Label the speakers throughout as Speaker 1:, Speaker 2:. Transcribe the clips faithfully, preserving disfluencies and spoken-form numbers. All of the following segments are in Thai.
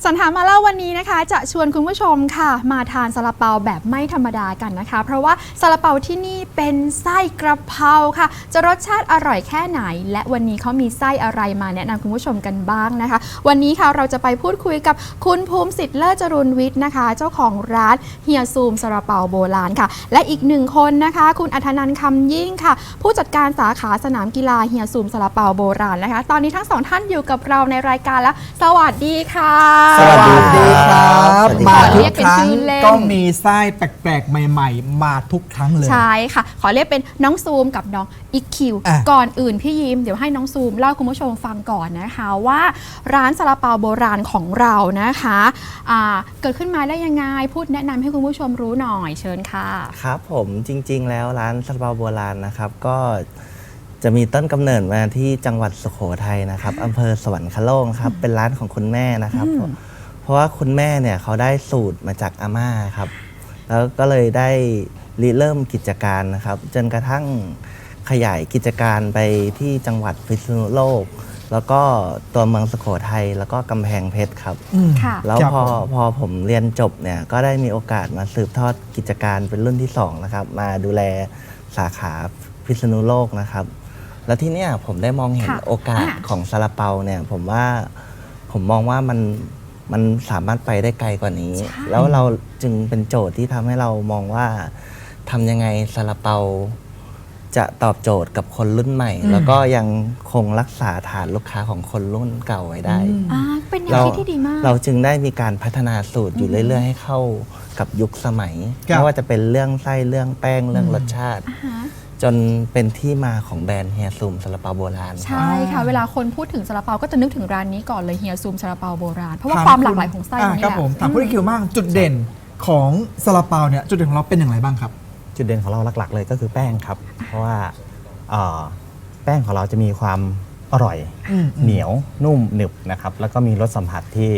Speaker 1: สันถามมาเล่าวันนี้นะคะจะชวนคุณผู้ชมค่ะมาทานซาลาเปาแบบไม่ธรรมดากันนะคะเพราะว่าซาลาเปาที่นี่เป็นไส้กระเพราค่ะจะรสชาติอร่อยแค่ไหนและวันนี้เขามีไส้อะไรมาแนะนำคุณผู้ชมกันบ้างนะคะวันนี้ค่ะเราจะไปพูดคุยกับคุณภูมิสิทธิ์เลิศจรุนวิทย์นะคะเจ้าของร้านเฮียซูมซาลาเปาโบราณค่ะและอีกหนึ่งคนนะคะคุณอัธนันท์คำยิ่งค่ะผู้จัดการสาขาสนามกีฬาเฮียซูมซาลาเปาโบราณนะคะตอนนี้ทั้งสองท่านอยู่กับเราในรายการแล้วสวัสดีค่ะ
Speaker 2: สวัสดีครับมาทุกครั้งก็มีไส้แปลกๆใหม่ๆมาทุกครั้งเลย
Speaker 1: ใช่ค่ะขอเรียกเป็นน้องซูมกับน้องอีคิวก่อนอื่นพี่ยิ้มเดี๋ยวให้น้องซูมเล่าคุณผู้ชมฟังก่อนนะคะว่าร้านซาลาเปาโบราณของเรานะคะเกิดขึ้นมาได้ยังไงพูดแนะนำให้คุณผู้ชมรู้หน่อยเชิญค่ะ
Speaker 3: ครับผมจริงๆแล้วร้านซาลาเปาโบราณนะครับก็จะมีต้นกำเนิดมาที่จังหวัดสุโขทัยนะครับอำเภอสวรรคโลกครับเป็นร้านของคุณแม่นะครับเพราะว่าคุณแม่เนี่ยเขาได้สูตรมาจากอาม่าครับแล้วก็เลยได้ริเริ่มกิจการนะครับจนกระทั่งขยายกิจการไปที่จังหวัดพิษณุโลกแล้วก็ตัวเมืองสุโขทัยแล้วก็กำแพงเพชรครับแล้วพอพอผมเรียนจบเนี่ยก็ได้มีโอกาสมาสืบทอดกิจการเป็นรุ่นที่สองนะครับมาดูแลสาขาพิษณุโลกนะครับแล้วที่เนี่ยผมได้มองเห็นโอกาสของซาลาเปาเนี่ยผมว่าผมมองว่ามันมันสามารถไปได้ไกลกว่านี้แล้วเราจึงเป็นโจทย์ที่ทำให้เรามองว่าทำยังไงซาลาเปาจะตอบโจทย์กับคนรุ่นใหม่แล้วก็ยังคงรักษาฐานลูกค้าของคนรุ่นเก่าไว้ได้
Speaker 1: เป็นแนวคิดที่ดีมาก
Speaker 3: เราจึงได้มีการพัฒนาสูตรอยู่เรื่อยๆให้เข้ากับยุคสมัยไม่ว่าจะเป็นเรื่องไส้เรื่องแป้งเรื่องรสชาติจนเป็นที่มาของแบรนด์เฮียซูมซาลาเปาโบราณ
Speaker 1: ใช่ค่ะเวลาคนพูดถึงซาลาเปาก็จะนึกถึงร้านนี้ก่อนเลยเฮียซูมซาลาเปาโบราณเพราะว่าความหลากหลายของไส้นี่แหละ
Speaker 2: ครับผมถามคุณคิวบ้างจุดเด่นของซาลาเปาเนี่ยจุดเด่นของเราเป็นอย่างไรบ้างครับ
Speaker 4: จุดเด่นของเราหลักๆเลยก็คือแป้งครับเพราะว่าแป้งของเราจะมีความอร่อยเหนียวนุ่มหนึบนะครับแล้วก็มีรสสัมผัสที่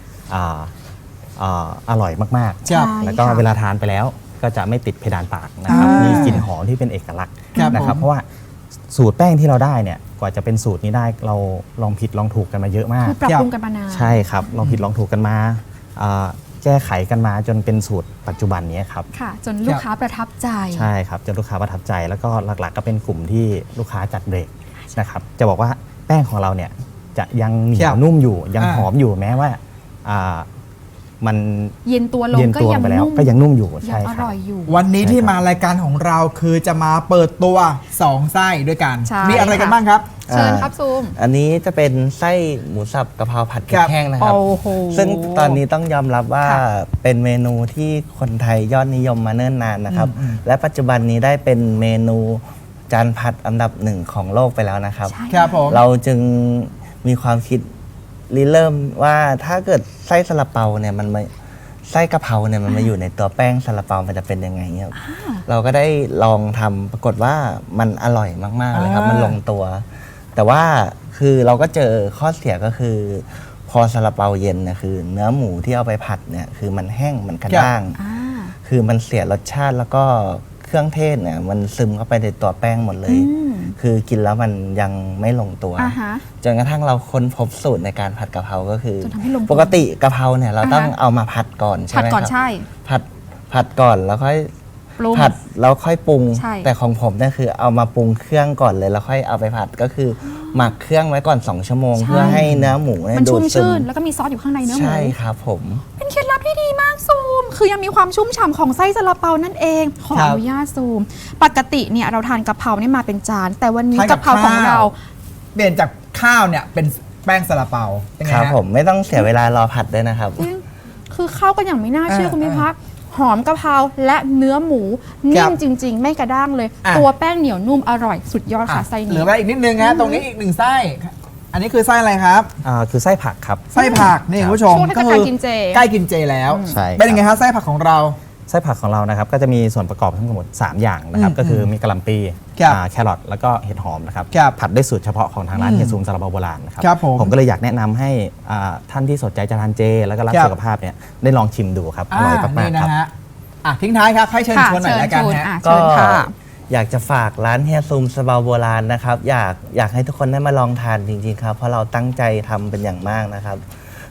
Speaker 4: อร่อยมากๆแล้วก็เวลาทานไปแล้วก็จะไม่ติดเพดานปากนะครับมีกลิ่นหอมที่เป็นเอกลักษณ์นะครับเพราะว่าสูตรแป้งที่เราได้เนี่ยกว่าจะเป็นสูตรนี้ได้เราลองผิดลองถูกกันมาเยอะมาก
Speaker 1: คือปรับปรุงกันมานาน
Speaker 4: ใช่ครับลองผิดลองถูกกันมาแก้ไขกันมาจนเป็นสูตรปัจจุบันนี้ครับ
Speaker 1: ค่ะจนลูกค้าประทับใจ
Speaker 4: ใช่ครับจนลูกค้าประทับใจแล้วก็หลักๆก็เป็นกลุ่มที่ลูกค้าจัดเบรกนะครับจะบอกว่าแป้งของเราเนี่ยจะยังเหนียวนุ่มอยู่ยังหอมอยู่แม้ว่ามัน
Speaker 1: เย็นตัวลงก็ยัง
Speaker 4: นุ่มก็ยังนุ่มอยู่ใช่ครับ
Speaker 2: วันนี้ที่มารายการของเราคือจะมาเปิดตัวสองไส้ด้วยกันมีอะไรกันบ้างครับ
Speaker 1: เชิญครับซูม
Speaker 3: อันนี้จะเป็นไส้หมูสับกะเพราผัดพริกแห้งนะครับซึ่งตอนนี้ต้องยอมรับว่าเป็นเมนูที่คนไทยยอดนิยมมาเนิ่นนานนะครับและปัจจุบันนี้ได้เป็นเมนูจานผัดอันดับหนึ่งของโลกไปแล้วนะครับเราจึงมีความคิดริเริ่มว่าถ้าเกิดไส้ซาลาเปาเนี่ยมันมาไส้กะเพราเนี่ยมันมาอยู่ในตัวแป้งซาลาเปามันจะเป็นยังไงครับเราก็ได้ลองทำปรากฏว่ามันอร่อยมากๆเลยครับมันลงตัวแต่ว่าคือเราก็เจอข้อเสียก็คือพอซาลาเปาเย็นเนี่ยคือเนื้อหมูที่เอาไปผัดเนี่ยคือมันแห้งมันกระด้างคือมันเสียรสชาติแล้วก็เครื่องเทศเนี่ยมันซึมเข้าไปในตัวแป้งหมดเลยคือกินแล้วมันยังไม่ลงตัวจนกระทั่งเราค้นพบสูตรในการผัดกะเพราก็คือปกติกะเพราเนี่ยเราต้องเอามาผัดก่อนใช่ไหมครับผัดผัดก่อนแล้วค่อยผัดแล้วค่อยปรุงแต่ของผมเนี่ยคือเอามาปรุงเครื่องก่อนเลยแล้วค่อยเอาไปผัดก็คือหมักเครื่องไว้ก่อนสองชั่วโมงเพื่อให้เนื้อหมู
Speaker 1: มันชุ่มชื่นแล้วก็มีซอสอยู่ข้างในเนื้อหมู
Speaker 3: ใช่ครับผม
Speaker 1: เป็นเคล็ดลับที่ดีมากซูมคือยังมีความชุ่มฉ่ำของไส้ซาลาเปานั่นเองขออนุญาตซูมปกติเนี่ยเราทานกะเพราเนี่ยมาเป็นจานแต่วันนี้กะเพราของเรา
Speaker 2: เปลี่ยนจากข้าวเนี่ยเป็นแป้งซาลาเปา
Speaker 3: ครับผมไม่ต้องเสียเวลารอผัดด้วยนะครับ
Speaker 1: คือเข้ากันอย่างไม่น่าเชื่อคุณพิพัฒน์หอมกะเพราและเนื้อหมูนิ่มจริงๆไม่กระด้างเลยตัวแป้งเหนียวนุ่มอร่อยสุดยอดค่ะไส้นี้
Speaker 2: เหลือไว้อีกนิดนึงนะตรงนี้อีกหนึ่งไส้อันนี้คือไส้อะไรครับ
Speaker 4: อ่าคือไส้ผักครับ
Speaker 2: ไส้ผักนี่คุณผู้ชม
Speaker 1: ก็คือใกล้กินเจ
Speaker 2: ใกล้กินเจแล้วเป็นยังไงครับไส้ผักของเรา
Speaker 4: ไส้ผักของเรานะครับก็จะมีส่วนประกอบทั้งหมดสามอย่างนะครับก็คือมีกะหล่ำปีแครอทแล้วก็เห็ดหอมนะครับผัดด้วยสูตรเฉพาะของทางร้านเฮียซูมซาลาเปาโบราณนะครับผมก็เลยอยากแนะนำให้ท่านที่สนใจจะทานเจแล้วก็รักสุขภาพเนี่ยได้ลองชิมดูครับอร่อยมากๆครับ
Speaker 2: ทิ้งท้ายครับให้เชิญชวนหน่อยแล้วกันฮะ
Speaker 3: ก็อยากจะฝากร้านเฮียซูมซาลาเปาโบราณนะครับอยากอยากให้ทุกคนได้มาลองทานจริงๆครับเพราะเราตั้งใจทำเป็นอย่างมากนะครับ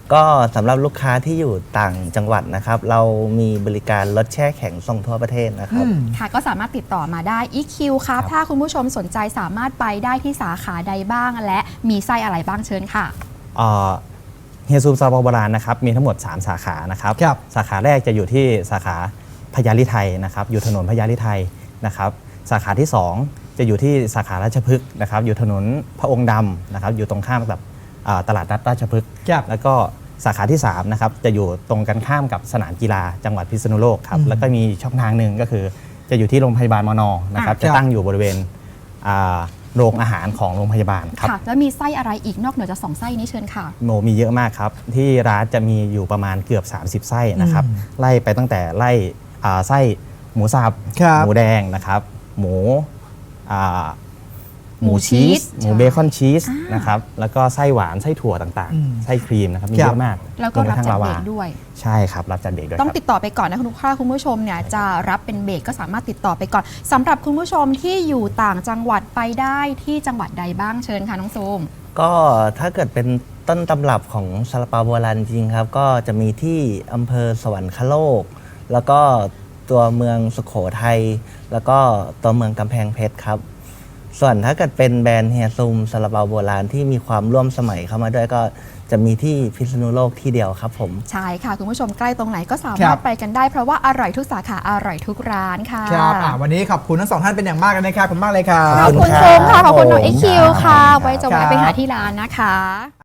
Speaker 3: ก็สำหรับลูกค้าที่อยู่ต่างจังหวัดนะครับ เรามีบริการรถแช่แข็งส่งทั่วประเทศนะครับ
Speaker 1: ค่ะก็สามารถติดต่อมาได้ อี คิว ครับถ้าคุณผู้ชมสนใจสามารถไปได้ที่สาขาใดบ้างและมีไส้อะไรบ้างเชิญค่ะ
Speaker 4: เฮียซูมซาลาเปาโบราณนะครับมีทั้งหมดสามสาขานะครับ สาขาแรกจะอยู่ที่สาขาพญาลิไทยนะครับอยู่ถนนพญาลิไทยนะครับสาขาที่สองจะอยู่ที่สาขาราชพฤกษ์นะครับอยู่ถนนพระองค์ดำนะครับอยู่ตรงข้ามกับอ่าตลาดนัดราชพฤกษ์แล้วก็สาขาที่สามนะครับจะอยู่ตรงกันข้ามกับสนามกีฬาจังหวัดพิษณุโลกครับแล้วก็มีช่องทางหนึ่งก็คือจะอยู่ที่โรงพยาบาลมนนะครับจะตั้งอยู่บริเวณอ่าโรงอาหารของโรงพยาบาลครับ
Speaker 1: ค่ะแล้วมีไส้อะไรอีกนอกเหนือจากสองไส้นี้เชิญค่ะ
Speaker 4: โมมีเยอะมากครับ ที่ร้านจะมีอยู่ประมาณเกือบ สามสิบ ไส้นะครับไล่ไปตั้งแต่ไล่อ่าไส้หมูสับ
Speaker 2: ครับ
Speaker 4: หมูแดงนะครับ หมูอ่าห
Speaker 1: หมู
Speaker 4: มูชีส
Speaker 1: ชีส
Speaker 4: หมูเบคอนชีสนะครับแล้วก็ไส้หวานไส้ถั่วต่าง
Speaker 2: อืม
Speaker 4: ๆ ไส้ครีมนะครับมี
Speaker 2: ครั
Speaker 4: เย
Speaker 2: บ
Speaker 4: อะมาก
Speaker 1: แล้วก็
Speaker 4: วม
Speaker 1: รับ
Speaker 4: ไปทั้ง
Speaker 1: จัด
Speaker 4: ลาวา
Speaker 1: เบรกด้วย
Speaker 4: ใช่ครับรับจัดเบรกด้วย
Speaker 1: ต้อง
Speaker 4: ครับ
Speaker 1: ติดต่อไปก่อนนะคุณลูกค้าคุณผู้ชมเนี่ยจะรับเป็นเบรกก็สามารถติดต่อไปก่อนสำหรับคุณผู้ชมที่อยู่ต่างจังหวัดไปได้ที่จังหวัดใดบ้างเชิญค่ะน้องซูม
Speaker 3: ก็ถ้าเกิดเป็นต้นตำรับของซาลาเปาโบราณจริงครับ ก็จะมีที่อำเภอสวรรคโลก แล้วก็ตัวเมืองสุโขทัยแล้วก็ตัวเมืองกำแพงเพชรครับ ส่วนถ้าเกิดเป็นแบรนด์เฮียซูมซาลาเปาโบราณที่มีความร่วมสมัยเข้ามาด้วยก็จะมีที่พิษณุโลกที่เดียวครับผม
Speaker 1: ใช่ค่ะ คุณผู้ชมใกล้ตรงไหนก็สา
Speaker 2: ครั
Speaker 1: มารถ
Speaker 2: บ
Speaker 1: ไปกันได้เพราะว่าอร่อยทุกสาขาอร่อยทุกร้านค่ะ
Speaker 2: ครับอ่ะวันนี้ขอบคุณทั้งสองท่านเป็นอย่างมากเลยนะครับขอบคุณมากเลยครั
Speaker 1: ขอ
Speaker 2: บบ
Speaker 1: คุณซูมค่ะขอบคุณน้องเอ็กคิวค่ะ ไว้จะ
Speaker 2: ครั
Speaker 1: แวะ
Speaker 2: บ
Speaker 1: ไปหาที่ร้านนะคะ